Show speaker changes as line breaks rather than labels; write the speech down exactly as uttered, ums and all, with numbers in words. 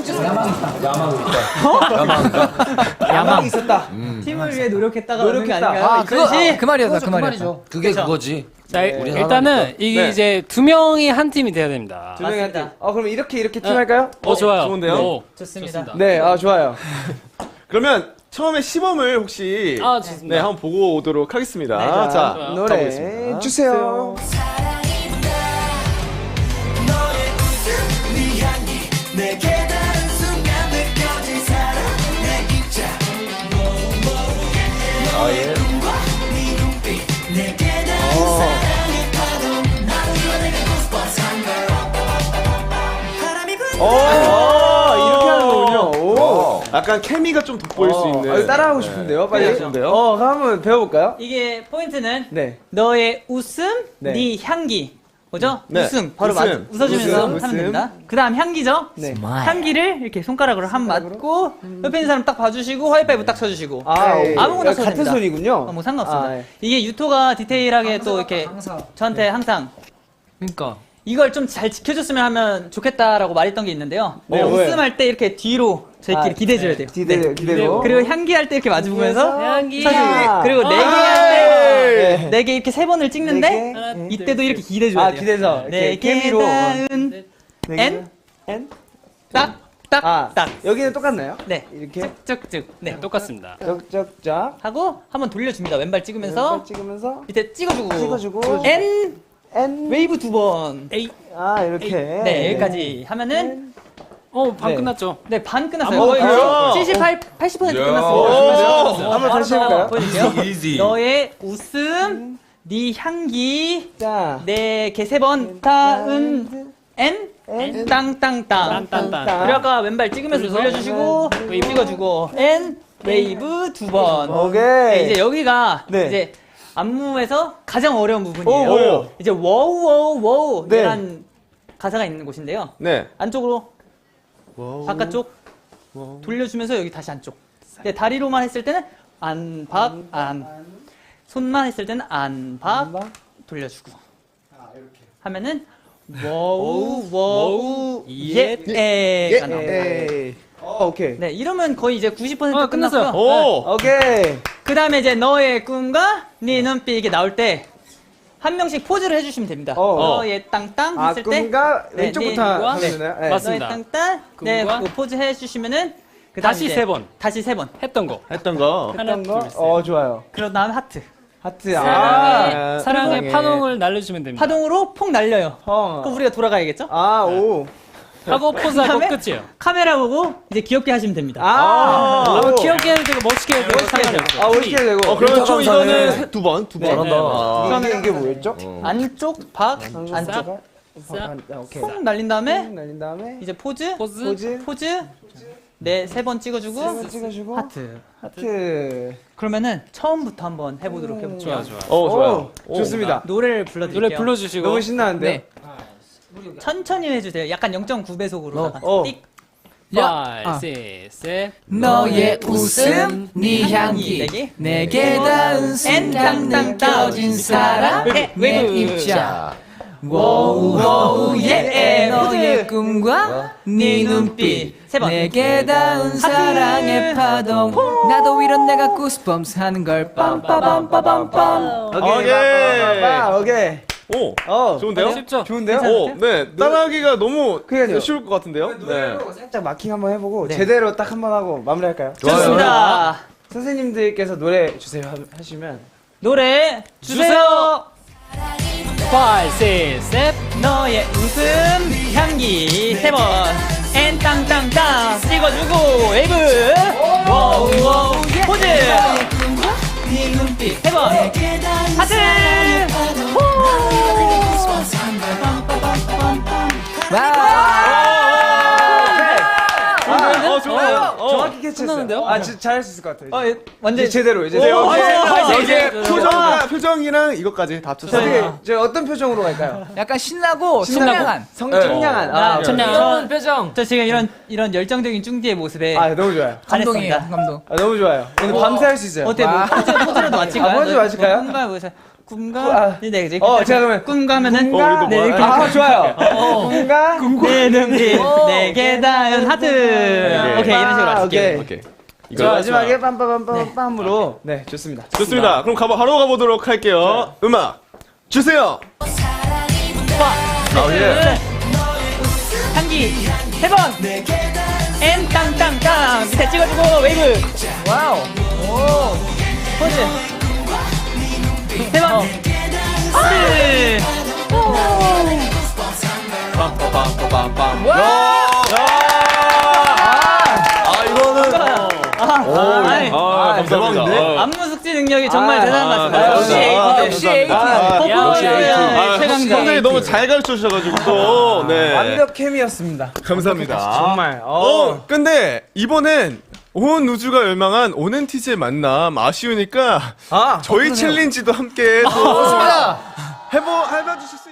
야망 야망
야망 있었다.
음.
팀을 위해 노력했다가
노력했다.
아,
그거
그것이
그 말이었다. 그
그
말이었다.
말이죠.
그게
그쵸?
그거지.
자,
우리
일단은 이게
네.
이제 두 명이 한 팀이 돼야 됩니다.
두 명이 한 팀.
맞습니다.
어 그럼 이렇게 이렇게 팀 할까요?
어, 좋아요.
좋은데요?
오,
좋습니다.
네, 아 좋아요.
그러면 처음에 시범을 혹시
아, 좋습니다.
네, 한번 보고 오도록 하겠습니다.
네, 자,
자,
좋아요.
노래
가보겠습니다.
주세요. 오, 이렇게 하는 거군요. 오.
약간 케미가 좀 돋보일 수
어,
있는.
아, 이거 따라하고 싶은데요, 빨리.
네, 좋은데요?
어, 그럼 한번 배워볼까요?
이게 포인트는
네.
너의 웃음,
네.
네, 향기. 뭐죠?
네.
웃음. 바로
웃음.
맞, 웃어주면서
웃음,
하면
웃음.
됩니다. 그 다음 향기죠?
네.
향기를 이렇게 손가락으로 한 맞고 옆에 있는 사람 딱 봐주시고 하이파이브 딱 쳐주시고
아,
네. 아무거나 써도
같은
됩니다.
손이군요.
아, 뭐 상관없습니다.
아, 예.
이게 유토가 디테일하게 또 이렇게 저한테 항상
그러니까.
이걸 좀 잘 지켜줬으면 하면 좋겠다라고 말했던 게 있는데요.
네,
웃음할 때 이렇게 뒤로 저희끼리
아,
기대줘야 돼요.
기대로,
네.
기대로.
그리고 향기할 때 이렇게 마주보면서
향기.
쳐주고 그리고 네 개
아,
할 때
네.
네 개 이렇게 세 번을 찍는데
네 개.
하나,
네.
이때도 이렇게 기대줘야
아,
돼요.
기대서.
네
이렇게
개
케미로.
다은
네
N
개를. N?
딱 딱
아,
딱.
여기는 똑같나요?
네.
이렇게
쭉쭉쭉. 네.
똑같습니다.
쩍쩍쩍.
하고 한번 돌려줍니다. 왼발 찍으면서
왼발 찍으면서
밑에 찍어주고
찍어주고.
N
N.
웨이브 두 번.
에이.
아, 이렇게.
네 여기까지 하면은
어, 반
네.
끝났죠.
네 반 끝났어요.
어,
거의
그래요?
칠십팔, 팔십 퍼센트
야.
끝났습니다.
한번 다시 해볼까요?
보여줄게요.
Easy.
너의 웃음, 네 향기,
자.
네 개 세 번, 타은 N
N.
땅땅땅.
딴딴딴.
그리고 아까 왼발 찍으면서 돌려주시고 웨이브 찍어주고 N 웨이브 두 번.
오케이.
네, 이제 여기가
네.
이제 안무에서 가장 어려운 부분이에요.
오, 뭐예요?
이제 워우 워우 워우
네.
이란 가사가 있는 곳인데요.
네.
안쪽으로 바깥쪽 돌려주면서 여기 다시 안쪽. 네, 다리로만 했을 때는 안박 안. 손만 했을 때는 안박 돌려주고. 하면은 워우 워우 예에가 나옵니다.
에이. 어, 오케이.
네, 이러면 거의 이제 구십 퍼센트
아, 끝났어요.
끝났고요.
오!
오케이.
그 다음에 이제 너의 꿈과 네 눈빛 이게 나올 때 한 명씩 포즈를 해주시면 됩니다.
어.
너의 땅땅
아,
했을 때
꿈과
네,
왼쪽부터
네,
하면
네.
되나요? 네.
맞습니다.
너의 땅땅 네,
꿈과
그 포즈 해주시면은 그 다음
다시
이제
세 번.
다시 세 번.
했던 거.
했던 거.
하나,
했던 거?
둘, 셋.
어, 좋아요.
그런 다음 하트.
하트.
사랑의,
아.
사랑의
사랑해.
파동을 날려주면 됩니다.
파동으로 폭 날려요.
어.
그럼 우리가 돌아가야겠죠?
아, 오.
하고 포즈하고
그다음에
끝이에요.
카메라 보고 이제 귀엽게 하시면 됩니다.
아,
아,
오.
귀엽게 해도 되고 멋있게 해도 되고
멋있게 해도
상관없어요.
아, 이렇게 되고.
어, 그러면 총
감사네.
이거는 두 번, 두 번.
네.
잘한다.
아.
이게, 이게 뭐였죠?
안쪽 박 안쪽
싹.
아, 오케이.
폭 날린 다음에
날린 다음에
이제 포즈
포즈.
포즈.
포즈 네 세 번 찍어주고
한번 찍어주고
하트.
하트.
그러면은 처음부터 한번 해보도록 해볼게요.
좋아, 좋아.
어, 좋아요.
오, 좋습니다.
노래를 불러드릴게요.
노래 불러주시고.
너무 신나는데요?
네. 천천히 해주세요. 약간 영 점 구 배속으로.
어.
띡.
five, six, seven.
너의 웃음, 네
네
향기,
개.
내게 닿은 순간 느껴진 사랑,
네.
내 입자. 워우 워우 예 너의 꿈과 네 눈빛
세 번.
내게 닿은 사랑의 파동 나도 이런 내가 구스범스 하는 걸 빰빠밤빠밤빰
오케이.
오케이.
빠바바바, 오케이.
오,
어.
좋은데요?
쉽죠?
좋은데요?
오, 네. 따라하기가 너무
그러니까요.
쉬울 것 같은데요? 네.
노래로 살짝 마킹 한번 해보고
네.
제대로 딱 한번 하고 마무리할까요?
좋습니다.
선생님들께서 노래 주세요 하- 하시면
노래 주세요.
five, six, seven.
너의 웃음 향기 세 번. 엔 땅땅땅 찍어주고 웨이브. 워우 워우 포즈.
네 눈빛
세 번. 하트.
어, 좋아요. 어.
정확히 캐치했어요.
끝나는데요?
아, 진짜 잘할 수 있을 것 같아요.
어, 예, 완전
이제 제대로 이제
네,
제대로.
여기,
오,
여기에
네.
표정, 표정이랑 이것까지 다 합쳐서.
어떻게 저 어떤 표정으로 갈까요?
약간 신나고 청량한
성
네.
청량한. 아,
아,
청량.
귀여운 표정
저 지금 이런 이런 열정적인 쭝디의 모습에
아, 너무 좋아요.
감동이에요
반했습니다.
감동
아, 너무 좋아요. 오늘 밤새 할 수 있어요.
어때 뭐 포즈 포즈라도 맞힐까요?
아, 포즈 맞힐까요?
뭔가 보세요. 꿈가
아.
네 이제
어, 제가 그러면
꿈가 하면은
어, 우리도
네
뭐-
이렇게
아, 좋아요. 꿈과
내 눈빛 내게 닿은 하트 오케이 이런 식으로
오케이.
할게요.
오케이.
자, 마지막에 빰빰빰빰빰으로 네, 좋습니다.
좋습니다. 그럼 가보, 바로 가보도록 할게요. 음악 주세요. 아, 예.
한기 세 번. 엔 땅땅땅 밑에 찍어주고 웨이브. 와우. 오. 포즈. 세 번. 하트.
빰빰빰빰빰. 아, 이거는.
아,
오,
아이,
아, 감사합니다.
대박인데?
아,
안무 숙지 능력이 정말
아,
대단한 것
아,
같습니다. 역시
감사합니다. 아,
역시
감사합니다. 아,
퍼포먼스
역시 에이티. 아,
최강자.
선생님이 너무 잘 가르쳐 주셔가지고 또, 네.
완벽 케미였습니다.
감사합니다.
정말. 어.
어, 근데 이번엔 온 우주가 열망한 온엔티즈의 만남 아쉬우니까
아,
저희 챌린지도 함께 또 해보 해봐 주실 수